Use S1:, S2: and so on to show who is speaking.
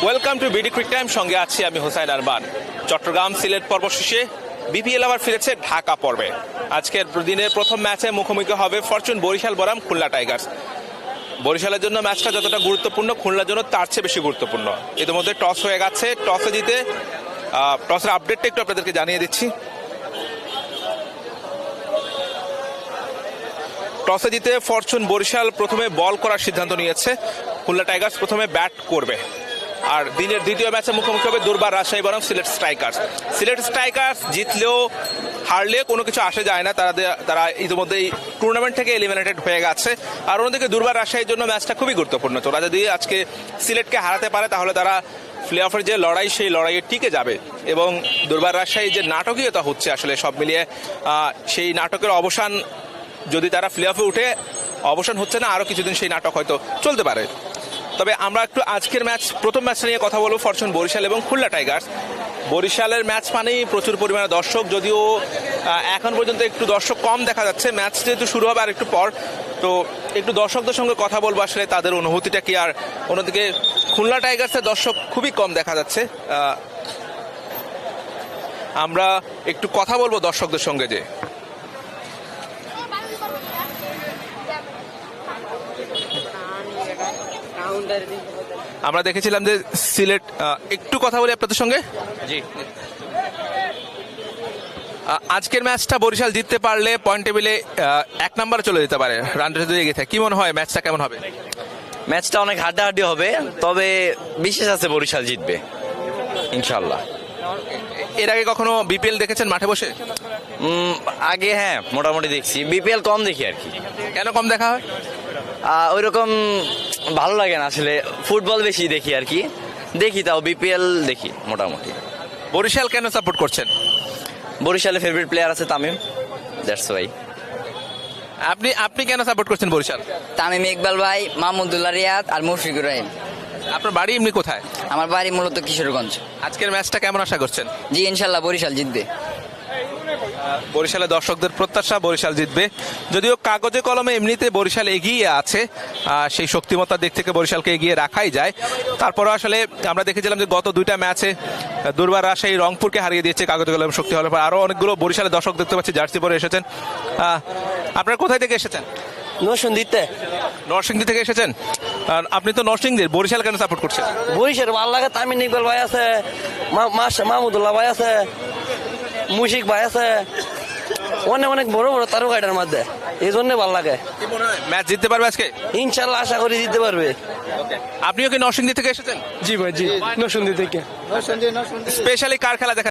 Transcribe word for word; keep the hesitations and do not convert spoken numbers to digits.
S1: Welcome to BD quick time, সঙ্গে আছি আমি হোসাইন আরমান। চট্টগ্রাম সিলেট পর্ব শেষে বিপিএল আবার ফিরেছে ঢাকা পর্বে। আজকের দিনের প্রথম ম্যাচে মুখোমুখি হবে ফরচুন বরিশাল বনাম খুলনা টাইগার্স। বরিশালের জন্য ম্যাচটা যতটা গুরুত্বপূর্ণ, খুলনার জন্য তার চেয়ে বেশি গুরুত্বপূর্ণ। ইতিমধ্যে টস হয়ে গেছে, টসে জিতে টসের আপডেটটা একটু আপনাদেরকে জানিয়ে দিচ্ছি। টসে জিতে ফরচুন বরিশাল প্রথমে বল করার সিদ্ধান্ত নিয়েছে, খুলনা টাইগার্স প্রথমে ব্যাট করবে। আর দিনের দ্বিতীয় ম্যাচে মুখোমুখি হবে দুর্বার রাজশাহী বনাম সিলেট স্ট্রাইকার্স। সিলেট স্ট্রাইকার্স জিতলেও হারলে কোনো কিছু আসে যায় না, তারা তারা ইতিমধ্যেই টুর্নামেন্ট থেকে এলিমিনেটেড হয়ে গেছে। আর অন্যদিকে দুর্বার রাজশাহীর জন্য ম্যাচটা খুবই গুরুত্বপূর্ণ। তোরা যদি আজকে সিলেটকে হারাতে পারে তাহলে তারা প্লে অফের যে লড়াই, সেই লড়াইয়ে টিকে যাবে। এবং দুর্বার রাজশাহী যে নাটকীয়তা হচ্ছে আসলে সব মিলিয়ে, সেই নাটকের অবসান যদি তারা প্লে অফে উঠে, অবসান হচ্ছে না, আরও কিছুদিন সেই নাটক হয়তো চলতে পারে। তবে আমরা একটু আজকের ম্যাচ, প্রথম ম্যাচ নিয়ে কথা বলবো, ফরচুন বরিশাল এবং খুলনা টাইগার্স। বরিশালের ম্যাচ মানেই প্রচুর পরিমাণে দর্শক, যদিও এখন পর্যন্ত একটু দর্শক কম দেখা যাচ্ছে। ম্যাচ যেহেতু শুরু হবে আর একটু পর, তো একটু দর্শকদের সঙ্গে কথা বলবো আসলে তাদের অনুভূতিটা কি। আর অন্যদিকে খুলনা টাইগার্সের দর্শক খুবই কম দেখা যাচ্ছে। আমরা একটু কথা বলবো দর্শকদের সঙ্গে। যে আমরা দেখেছিলাম যে সিলেট, একটু কথা বলি আপনাদের সঙ্গে। জি, আজকের ম্যাচটা বরিশাল জিততে পারলে পয়েন্ট টেবিলে এক নম্বরে চলে যেতে পারে, রান রেট যদি এগিয়ে থাকে। কি মনে হয় ম্যাচটা কেমন হবে?
S2: ম্যাচটা অনেক হাড্ডাহাড্ডি হবে, তবে বিশেষ আছে বরিশাল জিতবে ইনশাল্লাহ।
S1: এর আগে কখনো বিপিএল দেখেছেন মাঠে বসে?
S2: আগে হ্যাঁ, মোটামুটি দেখছি। বিপিএল কম দেখি আর কি।
S1: কেন কম দেখা হয়?
S2: ওই রকম ভালো লাগে না আসলে, ফুটবল বেশি দেখি আর কি। দেখি তাও বিপিএল দেখি মোটামুটি।
S1: বরিশাল কেন সাপোর্ট করছেন?
S2: বরিশালের ফেভারিট প্লেয়ার আছে তামিম, দ্যাটস ওয়াই।
S1: আপনি আপনি কেন সাপোর্ট করছেন বরিশাল?
S3: তামিম ইকবাল ভাই, মাহমুদুল্লাহ রিয়াদ আর মুশফিকুর রহিম।
S1: আপনার বাড়ি এমনি কোথায়?
S3: আমার বাড়ি মূলত কিশোরগঞ্জ।
S1: আজকের ম্যাচটা কেমন আশা করছেন?
S3: জি ইনশাল্লাহ বরিশাল জিতবে।
S1: বরিশালের দর্শকদের প্রত্যাশা বরিশাল জিতবে, যদিও কাগজে কলমে এমনিতে বরিশাল এগিয়ে আছে। সেই শক্তিমত্তার দিক থেকে বরিশালকে এগিয়ে রাখাই যায়। তারপরে আসলে আমরা দেখেছিলাম যে গত দুইটা ম্যাচে দুর্বার রাজশাহী রংপুরকে হারিয়ে দিয়েছে কাগজে কলমে শক্তি হলে। আরও অনেকগুলো বরিশালের দর্শক দেখতে পাচ্ছি জার্সি পরে এসেছেন। আপনারা কোথায় থেকে এসেছেন?
S4: নরসিংদীতে।
S1: নরসিংদী থেকে এসেছেন? আর আপনি তো নরসিংদীর, বরিশাল কেন সাপোর্ট করছেন?
S4: বরিশাল ভালো লাগে, তামিম ইকবাল ভাই আছে, মাহমুদুল্লাহ ভাই আছে, মুশিক ভাই আছে, অনেক অনেক বড় বড় তারকাটার মধ্যে, এই জন্য ভালো লাগে।
S1: ম্যাচ জিততে পারবে আজকে
S4: ইনশাল্লাহ, আশা করি জিততে পারবে।
S1: আপনিও কি নরসিংদী থেকে এসেছেন?
S5: জি ভাই, জি নরসিংদী থেকে।
S1: স্পেশালি কার খেলা দেখা